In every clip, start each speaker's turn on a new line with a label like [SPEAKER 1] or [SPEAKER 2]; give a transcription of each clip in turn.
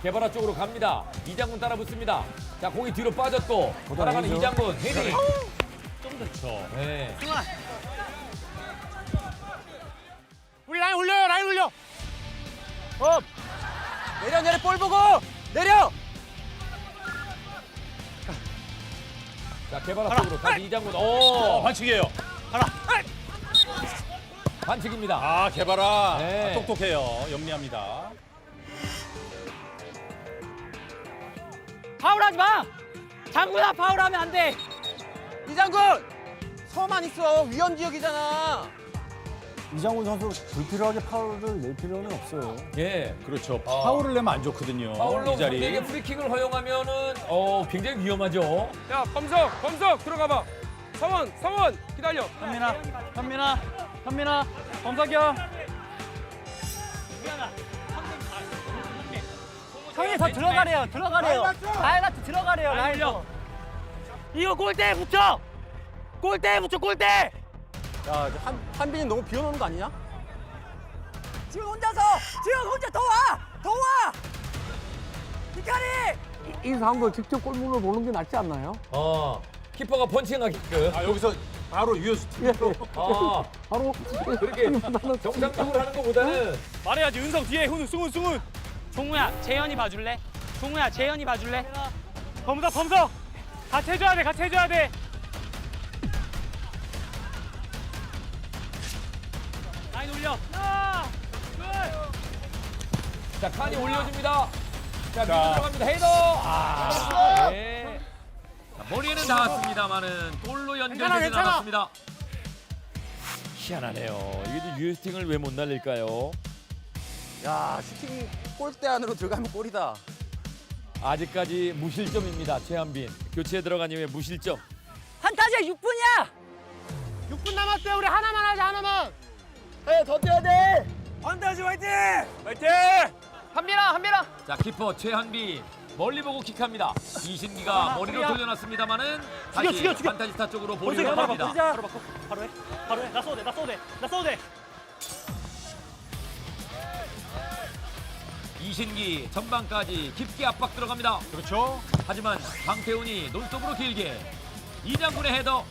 [SPEAKER 1] 개발화 쪽으로 갑니다. 이장군 따라 붙습니다. 자, 공이 뒤로 빠졌고 따라가는
[SPEAKER 2] 아니죠.
[SPEAKER 1] 이장군 헤딩.
[SPEAKER 3] 좀 좋죠.
[SPEAKER 1] 네.
[SPEAKER 4] 우리 라인 올려요, 라인 올려.
[SPEAKER 2] 내려 볼 보고 내려.
[SPEAKER 1] 자, 개발화 쪽으로 다시 이장군. 오,
[SPEAKER 3] 반칙이에요.
[SPEAKER 1] 반칙입니다.
[SPEAKER 3] 아, 개발아.
[SPEAKER 1] 네.
[SPEAKER 3] 아, 똑똑해요. 영리합니다.
[SPEAKER 5] 파울하지 마. 장군아 파울하면 안 돼.
[SPEAKER 2] 이장군 서만 있어. 위험 지역이잖아.
[SPEAKER 6] 이장훈 선수 불필요하게 파울을 낼 필요는 없어요.
[SPEAKER 1] 예.
[SPEAKER 3] 그렇죠. 파울을 내면 안 좋거든요.
[SPEAKER 1] 파울로
[SPEAKER 3] 이 자리.
[SPEAKER 1] 상대에게 프리킥을 허용하면은 굉장히 위험하죠.
[SPEAKER 4] 야, 범석 들어가봐. 서원 기다려.
[SPEAKER 5] 현민아, 범석이요. 형이 더 들어가래요. 라인한테 들어가래요. 라인. 이거 골대에 붙여. 골대.
[SPEAKER 2] 야, 한빈이 너무 비워놓는 거 아니냐?
[SPEAKER 5] 지금 혼자 더 와. 히카리.
[SPEAKER 6] 이 상황을 직접 골문으로 보는 게 낫지 않나요?
[SPEAKER 1] 키퍼가 펀칭하게끔.
[SPEAKER 3] 아, 여기서 바로 유효수 팀으로.
[SPEAKER 6] 바로
[SPEAKER 1] 그렇게 정상적으로 하는 것보다는
[SPEAKER 4] 말해야지. 은성 뒤에 승훈.
[SPEAKER 5] 종우야, 재현이 봐줄래?
[SPEAKER 4] 범석. 같이 해줘야 돼.
[SPEAKER 5] 라인 올려.
[SPEAKER 1] 자, 칸이 올려줍니다. 자, 밀고 들어갑니다. 헤더. 네. 자, 머리에는 닿았습니다만은 골로 연결되지 않았습니다. 희한하네요. 이게 유효스팅을 왜 못 날릴까요?
[SPEAKER 2] 야, 슈팅 골대 안으로 들어가면 골이다.
[SPEAKER 1] 아직까지 무실점입니다. 최한빈. 교체에 들어간 이후에 무실점.
[SPEAKER 5] 판타지야 6분이야.
[SPEAKER 4] 6분 남았대. 우리 하나만 하자, 하나만.
[SPEAKER 2] 더 뛰어야 돼.
[SPEAKER 4] 환타지 화이팅!
[SPEAKER 5] 한빈아.
[SPEAKER 1] 자, 키퍼 최한빈. 멀리 보고 킥합니다. 이신기가 머리로 돌려놨습니다만은 다시
[SPEAKER 5] 죽여.
[SPEAKER 1] 판타지스타 쪽으로 볼이 흘러갑니다.
[SPEAKER 5] 바로 해. 나 쏘도 돼.
[SPEAKER 1] 이신기 전방까지 깊게 압박 들어갑니다.
[SPEAKER 3] 그렇죠.
[SPEAKER 1] 하지만 방태훈이 논스톱으로 길게 이장군의 헤더.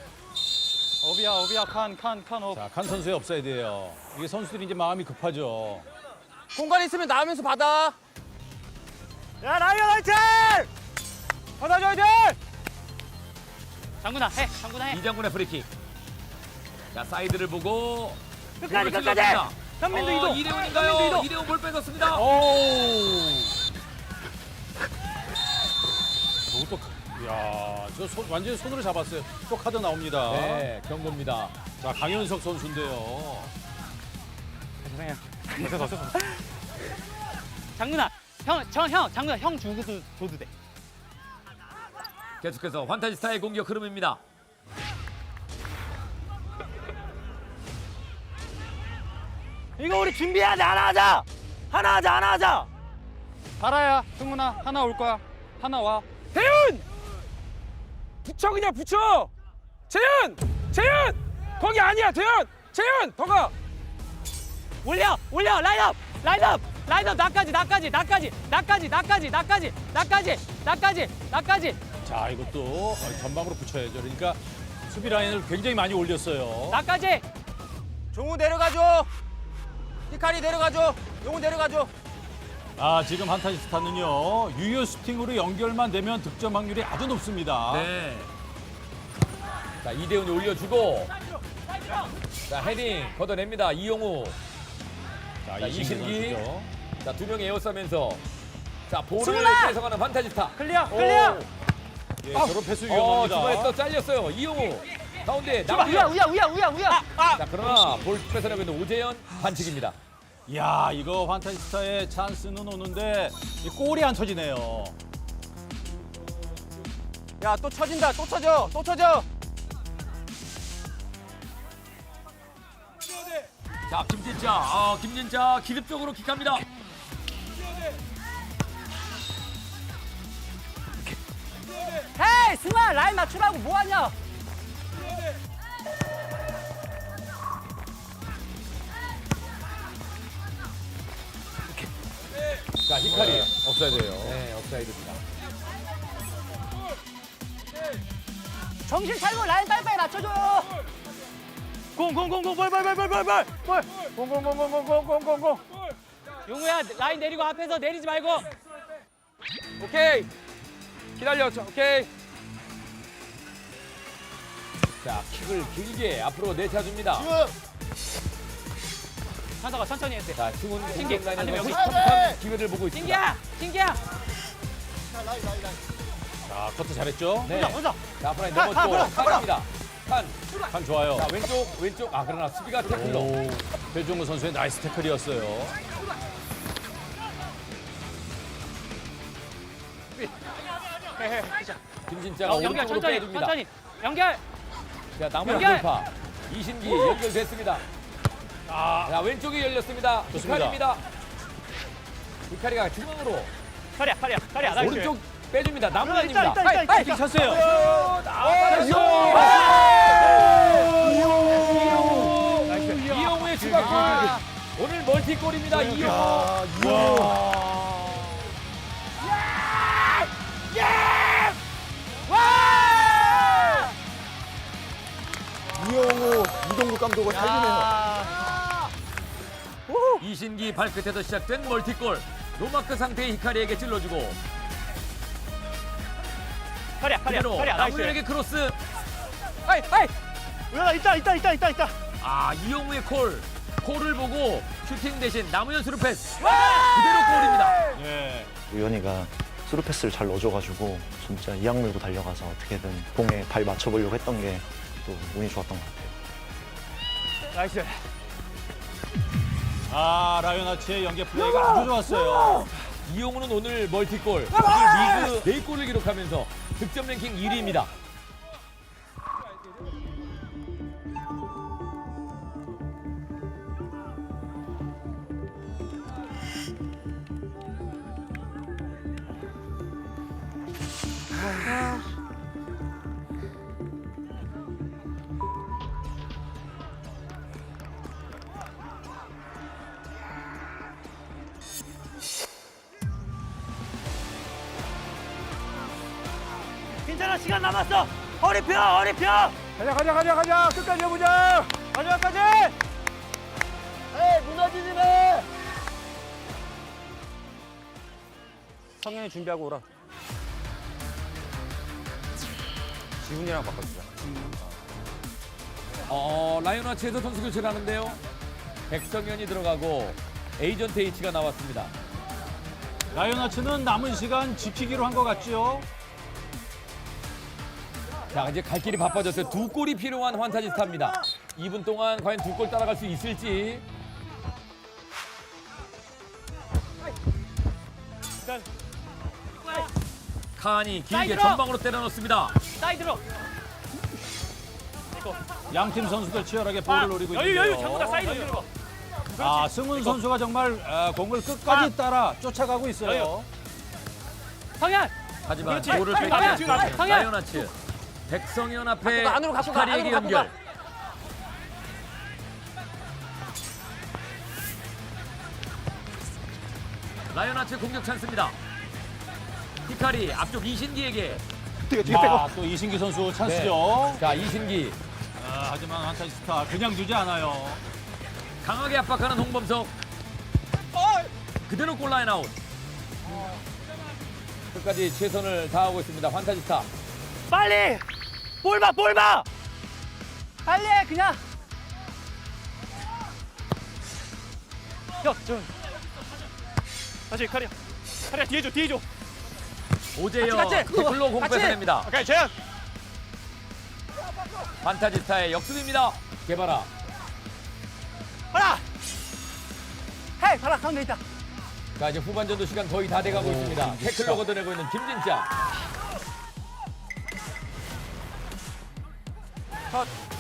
[SPEAKER 5] 오비야 칸.
[SPEAKER 3] 자, 칸 선수의 업사이드예요. 이게 선수들이 이제 마음이 급하죠.
[SPEAKER 2] 공간 있으면 나오면서 받아.
[SPEAKER 4] 야, 라이언 화이팅! 받아줘야 돼!
[SPEAKER 5] 장군아 해.
[SPEAKER 1] 이장군의 프리킥. 자, 사이드를 보고
[SPEAKER 5] 끝까지.
[SPEAKER 1] 공을 찔러줍니다.
[SPEAKER 5] 현민도 이동.
[SPEAKER 1] 이대훈인가요? 이대훈 볼 뺏었습니다.
[SPEAKER 3] 저것도, 야, 완전히 손으로 잡았어요. 또 카드 나옵니다.
[SPEAKER 1] 네, 경고입니다.
[SPEAKER 3] 자, 강현석 선수인데요.
[SPEAKER 5] 장군아 장군아 형 줘도 돼.
[SPEAKER 1] 계속해서 환타지스타의 공격 흐름입니다.
[SPEAKER 5] 이거 우리 준비해야 돼. 하나 하자.
[SPEAKER 7] 달아야 승훈아 하나 올 거야. 하나 와.
[SPEAKER 4] 대윤! 그냥 붙여! 재현! 거기 아니야, 대현! 재현! 더 가!
[SPEAKER 5] 올려 라인업 나까지.
[SPEAKER 3] 자, 이것도 전방으로 붙여야죠. 그러니까 수비 라인을 굉장히 많이 올렸어요.
[SPEAKER 5] 나까지.
[SPEAKER 2] 종우 내려가줘. 히카리 내려가줘. 용우 내려가줘.
[SPEAKER 3] 아, 지금 한타지스타는요. 유효 슈팅으로 연결만 되면 득점 확률이 아주 높습니다.
[SPEAKER 1] 네. 자, 이대훈이 올려주고 자, 헤딩 걷어냅니다. 이용우.
[SPEAKER 3] 자,
[SPEAKER 1] 자,
[SPEAKER 3] 이신기
[SPEAKER 1] 이신기.
[SPEAKER 3] 선수죠.
[SPEAKER 1] 자, 두 명이 에워싸면서 자, 볼을
[SPEAKER 5] 승훈아!
[SPEAKER 1] 뺏어가는 판타지스타.
[SPEAKER 5] 클리어.
[SPEAKER 3] 예, 저런 패스 위험합니다.
[SPEAKER 1] 중간에 잘렸어요. 이용우. 가운데
[SPEAKER 5] 우야.
[SPEAKER 1] 자, 그러나 볼 뺏어내고 있는 오재현 반칙입니다.
[SPEAKER 3] 이야, 이거 환타지스타의 찬스는 오는데 이 골이 안 쳐지네요.
[SPEAKER 2] 야, 또 쳐진다. 또 쳐져.
[SPEAKER 1] 자, 김진짜 기습적으로 킥합니다.
[SPEAKER 5] 헤이 승아 라인 맞추라고 뭐하냐.
[SPEAKER 1] 자, 히카리.
[SPEAKER 3] 업사이드예요.
[SPEAKER 1] 네, 업사이드입니다.
[SPEAKER 5] 정신 차리고 라인 빨리빨리 맞춰줘요.
[SPEAKER 4] 공공공공 볼. 공공공공공공공공공.
[SPEAKER 5] 용우야 라인 내리고 앞에서 내리지 말고.
[SPEAKER 4] 오케이. 기다려. 오케이.
[SPEAKER 1] 자, 킥을 길게 앞으로 내차줍니다.
[SPEAKER 5] 현서가 천천히 했대.
[SPEAKER 1] 자, 승훈
[SPEAKER 5] 신기,
[SPEAKER 1] 공격
[SPEAKER 5] 안
[SPEAKER 1] 라인에서
[SPEAKER 5] 되면 여기.
[SPEAKER 1] 섭섭한 기회를 보고 있습니다.
[SPEAKER 5] 신기야.
[SPEAKER 3] 자, 커트 잘했죠?
[SPEAKER 1] 네. 자, 앞으로 넘었고 칸입니다. 칸.
[SPEAKER 3] 칸 좋아요.
[SPEAKER 1] 자, 왼쪽. 아, 그러나 수비가 태클로.
[SPEAKER 3] 오, 배종우 선수의 나이스 태클이었어요.
[SPEAKER 1] 김진짜가
[SPEAKER 5] 연결
[SPEAKER 1] 오른쪽으로
[SPEAKER 5] 천천히.
[SPEAKER 1] 빼줍니다.
[SPEAKER 5] 천천히. 연결.
[SPEAKER 1] 자, 남은
[SPEAKER 5] 연결!
[SPEAKER 1] 돌파. 이신기 연결됐습니다. 자, 왼쪽이 열렸습니다.
[SPEAKER 3] 좋습니다.
[SPEAKER 1] 히카리입니다. 히카리가 중앙으로
[SPEAKER 5] 카리야.
[SPEAKER 1] 오른쪽 빼줍니다. 남은입니다.
[SPEAKER 3] 킥 찼어요.
[SPEAKER 1] 이용우의 추가골. 오늘 멀티골입니다. 이용우.
[SPEAKER 2] 이영호, 이동국 감독을 살리네요.
[SPEAKER 1] 이신기 발끝에서 시작된 멀티골. 노마크 상태의 히카리에게 찔러주고 그대로 남우현에게 크로스.
[SPEAKER 4] 있다.
[SPEAKER 1] 아, 이용우의 콜을 보고 슈팅 대신 남우현 스루 패스. 그대로 골입니다.
[SPEAKER 3] 예.
[SPEAKER 8] 우연이가 스루 패스를 잘 넣어줘가지고 진짜 이악 물고 달려가서 어떻게든 공에 발 맞춰보려고 했던 게 또 운이 좋았던 것 같아요.
[SPEAKER 4] 나이스.
[SPEAKER 3] 아, 라이오나치의 연계 플레이가 아주 좋았어요.
[SPEAKER 1] 이용우는 오늘 멀티골, 오늘 리그 4골을 기록하면서 득점 랭킹 1위입니다.
[SPEAKER 5] 괜찮아 시간 남았어. 허리 펴.
[SPEAKER 4] 가자. 끝까지 해보자. 마지막까지.
[SPEAKER 2] 무너지지 마!
[SPEAKER 4] 성현이 준비하고 오라. 지훈이랑 바꿔주자.
[SPEAKER 1] 라이오나치에서 선수 교체를 하는데요. 백성현이 들어가고 에이전트 H가 나왔습니다.
[SPEAKER 3] 라이오나치는 남은 시간 지키기로 한 것 같죠?
[SPEAKER 1] 자, 이제 갈 길이 바빠졌어요. 2골이 필요한 환타지스타입니다. 2분 동안 과연 2골 따라갈 수 있을지. 칸이 길게
[SPEAKER 5] 사이드로!
[SPEAKER 1] 전방으로 때려 넣습니다.
[SPEAKER 5] 사이드로.
[SPEAKER 3] 양팀 선수들 치열하게 볼을 노리고 있는데요.
[SPEAKER 5] 여유 전부 다 사이드로.
[SPEAKER 3] 아, 승훈 선수가 정말 공을 끝까지 따라 쫓아가고 있어요.
[SPEAKER 5] 성현.
[SPEAKER 1] 하지만
[SPEAKER 5] 그렇지.
[SPEAKER 1] 볼을
[SPEAKER 5] 성현!
[SPEAKER 1] 뺏기지 않는
[SPEAKER 5] 성현!
[SPEAKER 1] 라이오나치. 백성현 앞에
[SPEAKER 2] 안으로 갖고 가,
[SPEAKER 1] 히카리에게
[SPEAKER 2] 안으로 갖고 가.
[SPEAKER 1] 연결. 라이오나치 공격 찬스입니다. 히카리 앞쪽 이신기에게.
[SPEAKER 3] 아, 또 이신기 선수 찬스죠.
[SPEAKER 1] 자, 이신기
[SPEAKER 3] 하지만 환타지스타 그냥 두지 않아요.
[SPEAKER 1] 강하게 압박하는 홍범석. 그대로 골라인 아웃. 끝까지 최선을 다하고 있습니다. 환타지스타.
[SPEAKER 5] 빨리. 볼 봐. 빨리 해 그냥.
[SPEAKER 4] 다시 카리야 뒤에 줘.
[SPEAKER 1] 오재영 태클로 공 뺏어냅니다.
[SPEAKER 4] 오케이 재현.
[SPEAKER 1] 환타지스타의 역습입니다. 개바라.
[SPEAKER 5] 봐라 가운데 있다.
[SPEAKER 1] 자, 이제 후반전도 시간 거의 다 돼가고 있습니다. 태클로 걷어내고 있는 김진짜.